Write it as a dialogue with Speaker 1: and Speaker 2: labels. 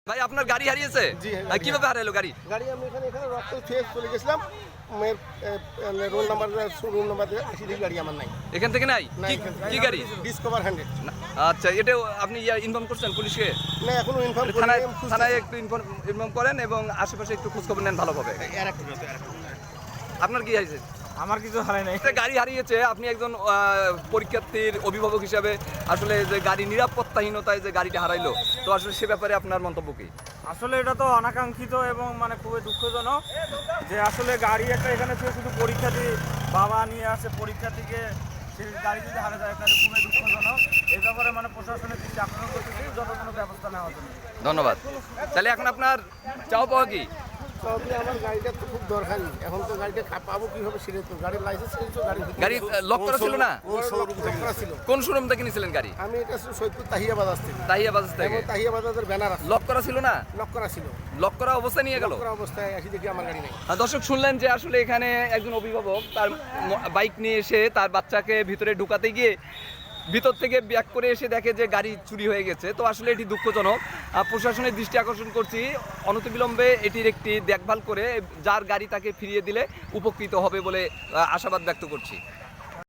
Speaker 1: ভাই আপনার গাড়ি হারিয়েছে?
Speaker 2: জি, হ্যাঁ, গাড়ি
Speaker 1: কিভাবে হারালো গাড়ি?
Speaker 2: গাড়ি আমি এখানে রক্ত ছুঁয়ে চলে গেছিলাম। রোল নাম্বার রুম নাম্বার 80 দেখি গাড়ি আমার নাই।
Speaker 1: এখান থেকে নাই?
Speaker 2: না,
Speaker 1: কি
Speaker 2: এখান থেকে
Speaker 1: কি গাড়ি?
Speaker 2: ডিসকভার 100।
Speaker 1: না, আচ্ছা, এটা আপনি ইনফর্ম করছেন পুলিশকে?
Speaker 2: না, এখনো ইনফর্ম করি
Speaker 1: থানায়
Speaker 2: নাই, আমি
Speaker 1: থানায় একটু ইনফর্ম করেন এবং আশেপাশে একটু খোঁজখবর নেন ভালোভাবে। আপনার কি হয়েছে?
Speaker 3: আমার কিছু হারাই নাই।
Speaker 1: একটা গাড়ি হারিয়েছে, আপনি একজন পরীক্ষার্থীর অভিভাবক হিসাবে আসলে যে গাড়ি নিরাপত্তাহীনতায় যে গাড়িটা হারাইলো, তো আসলে সে ব্যাপারে আপনার মন্তব্য কি?
Speaker 3: আসলে এটা তো অনাকাঙ্ক্ষিত এবং মানে খুবই দুঃখজনক যে আসলে গাড়ি একটা এখানে ছিল, শুধু পরীক্ষার্থী বাবা নিয়ে আসে পরীক্ষার্থীকে, সেই গাড়ি যদি হারা যায় তাহলে খুবই দুঃখজনক। এই ব্যাপারে মানে প্রশাসনের দৃষ্টি আকর্ষণ করতেছি, যত কোনো ব্যবস্থা নেওয়ার জন্য।
Speaker 1: ধন্যবাদ। তাহলে এখন আপনার চাও পাওয়া কি?
Speaker 2: তবে আমার গাড়িটা তো খুব দরকারি। এখন তো গাড়িটা পাবো কিভাবে সেটা তো গাড়ির লাইসেন্স ছিল,
Speaker 1: গাড়ি লক করা ছিল না?
Speaker 2: ছিল।
Speaker 1: কোন শোরুম থেকে নিয়েছিলেন গাড়ি?
Speaker 2: আমি এটা ছিল সৈয়দপুর তাহিয়া বাজার থেকে।
Speaker 1: তাহিয়া বাজার থেকে?
Speaker 2: এবং তাহিয়া বাজারের ব্যানার আছে,
Speaker 1: লক করা ছিল না?
Speaker 2: লক করা ছিল।
Speaker 1: লক করা অবস্থায় নিয়ে গেল?
Speaker 2: লক করা অবস্থায় আসি দেখি আমার গাড়ি নেই।
Speaker 1: দর্শক শুনলেন যে আসলে এখানে একজন অভিভাবক তার বাইক নিয়ে এসে তার বাচ্চাকে ভিতরে ঢুকাতে গিয়ে ভিতর থেকে ব্যাক করে এসে দেখে যে গাড়ি চুরি হয়ে গেছে। তো আসলে এটি দুঃখজনক। প্রশাসনের দৃষ্টি আকর্ষণ করছি, অনতিবিলম্বে এটির একটি দেখভাল করে যার গাড়ি তাকে ফিরিয়ে দিলে উপকৃত হবে বলে আশাবাদ ব্যক্ত করছি।